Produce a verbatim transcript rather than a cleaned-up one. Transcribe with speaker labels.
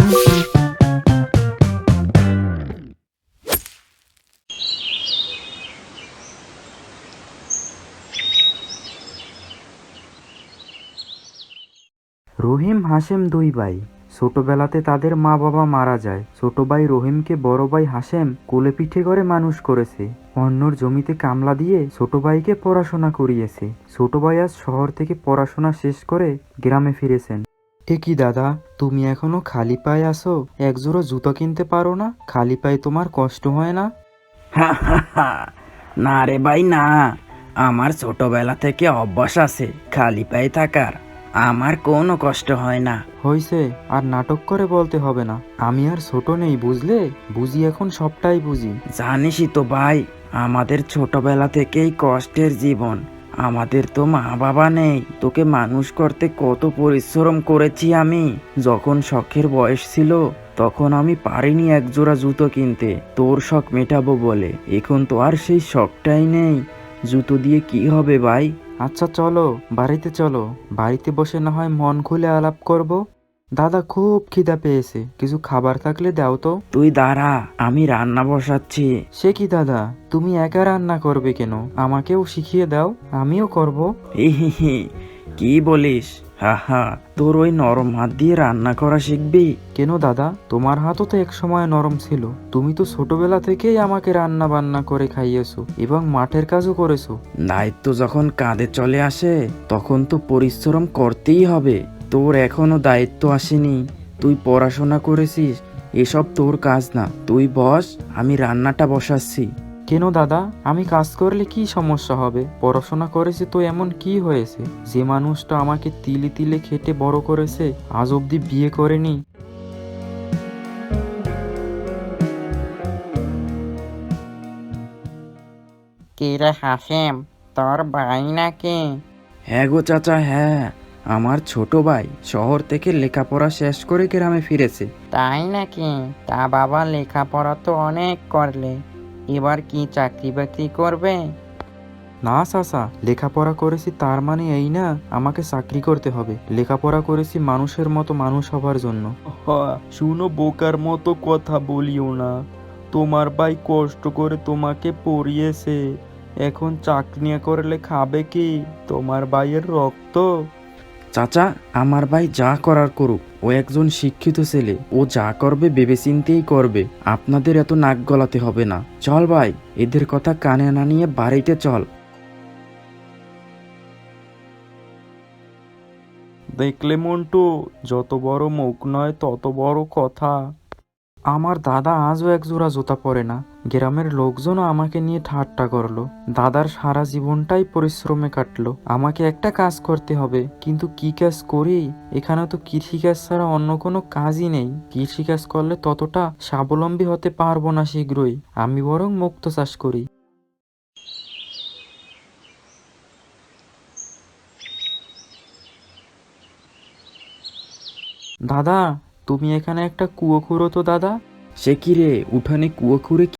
Speaker 1: রহিম হাশেম দুই ভাই। ছোটবেলাতে তাদের মা বাবা মারা যায়। ছোট ভাই রহিমকে বড় ভাই হাশেম কোলে পিঠে করে মানুষ করেছে। অন্যর জমিতে কামলা দিয়ে ছোট ভাইকে পড়াশোনা করিয়েছে। ছোট ভাই আজ শহর থেকে পড়াশোনা শেষ করে গ্রামে ফিরেছেন। এ কি দাদা, তুমি এখনো খালি পায়ে আসো? একজোড়া জুতো কিনতে পারো না? খালি পায়ে তোমার কষ্ট হয় না?
Speaker 2: হা হা হা। না রে ভাই না, আমার ছোটবেলা থেকে অভ্যাস আছে খালি পায়ে থাকার। আমার কোনো কষ্ট হয় না।
Speaker 1: হইছে, আর নাটক করে বলতে হবে না। আমি আর ছোট নেই, বুঝলে? বুঝি এখন, সবটাই বুঝি।
Speaker 2: জানিসই তো ভাই, আমাদের ছোটবেলা থেকেই কষ্টের জীবন। আমাদের তো মা বাবা নেই। তোকে মানুষ করতে কত পরিশ্রম করেছি আমি। যখন শখের বয়স ছিল তখন আমি পারিনি একজোড়া জুতো কিনতে, তোর শখ মেটাবো বলে। এখন তো আর সেই শখটাই নেই। জুতো দিয়ে কি হবে ভাই?
Speaker 1: আচ্ছা চলো, বাড়িতে চলো। বাড়িতে বসে না হয় মন খুলে আলাপ করব। দাদা, খুব খিদা পেয়েছে, কিছু খাবার থাকলে দাও তো।
Speaker 2: তুই দাঁড়া, আমি রান্না বসাচ্ছি।
Speaker 1: সে কি দাদা, তুমি একা রান্না করবে কেন? আমাকেও শিখিয়ে দাও, আমিও করব।
Speaker 2: হি হি হি, কি বলিস? হা হা, তোর ওই নরম হাত দিয়ে রান্না করা শিখবি?
Speaker 1: কেন দাদা, তোমার হাতও তো এক সময় নরম ছিল। তুমি তো ছোটবেলা থেকেই আমাকে রান্না বান্না করে খাইয়েছো এবং মাঠের কাজও করেছো।
Speaker 2: দায়িত্ব যখন কাঁধে চলে আসে তখন তো পরিশ্রম করতেই হবে। তোর এখনো দায়িত্ব আসেনি, তুই পড়াশোনা করেছিস, এসব তোর কাজ না। তুই বস, আমি রান্নাটা বসাচ্ছি।
Speaker 1: কেন দাদা, আমি কাজ করলে কি সমস্যা হবে? পড়াশোনা করেছে তো এমন কি হয়েছে? যে মানুষটা আমাকে তিলে তিলে খেটে বড় করেছে আজ অব্দি বিয়ে করেনি।
Speaker 3: কি রে হাসেম, তোর ভাই নাকি?
Speaker 2: হ্যাঁ গো চাচা, হ্যাঁ, আমার ছোট ভাই শহর থেকে লেখাপড়া শেষ করে গ্রামে ফিরেছে।
Speaker 3: তাই নাকি? তা বাবা, লেখাপড়া তো অনেক করলে, এবার কি চাকরি বাকরি করবে?
Speaker 1: না চাচা, লেখাপড়া করেছি তার মানে এই না আমাকে চাকরি করতে হবে। লেখাপড়া করেছি মানুষের মতো মানুষ হবার জন্য। শুনো, বোকার মতো কথা বলিও না। তোমার ভাই কষ্ট করে তোমাকে পড়িয়েছে, এখন চাকরি না করলে খাবে কি? তোমার ভাইয়ের রক্ত।
Speaker 2: চাচা, আমার ভাই যা করার করুক, ও একজন শিক্ষিত ছেলে, ও যা করবে ভেবেচিন্তেই করবে। আপনাদের এত নাক গলাতে হবে না। চল ভাই, এদের কথা কানে না নিয়ে বাড়িতে চল।
Speaker 1: দেখলে মন্টু, যত বড় মুখ নয় তত বড় কথা। আমার দাদা আজও এক জোড়া জুতা পরে না। গ্রামের লোকজনও আমাকে নিয়ে ঠাট্টা করলো। দাদার সারা জীবনটাই পরিশ্রমে কাটলো। আমাকে একটা কাজ করতে হবে, কিন্তু কি কাজ করি? এখানে তো কৃষিকাজ ছাড়া অন্য কোনো কাজই নেই। কৃষিকাজ করলে ততটা স্বাবলম্বী হতে পারবো না শীঘ্রই। আমি বরং মুক্ত চাষ করি। দাদা, তুমি এখানে একটা কুয়ো খুঁড়ো তো দাদা।
Speaker 2: সে কি রে, উঠানে কুয়ো খুঁড়ে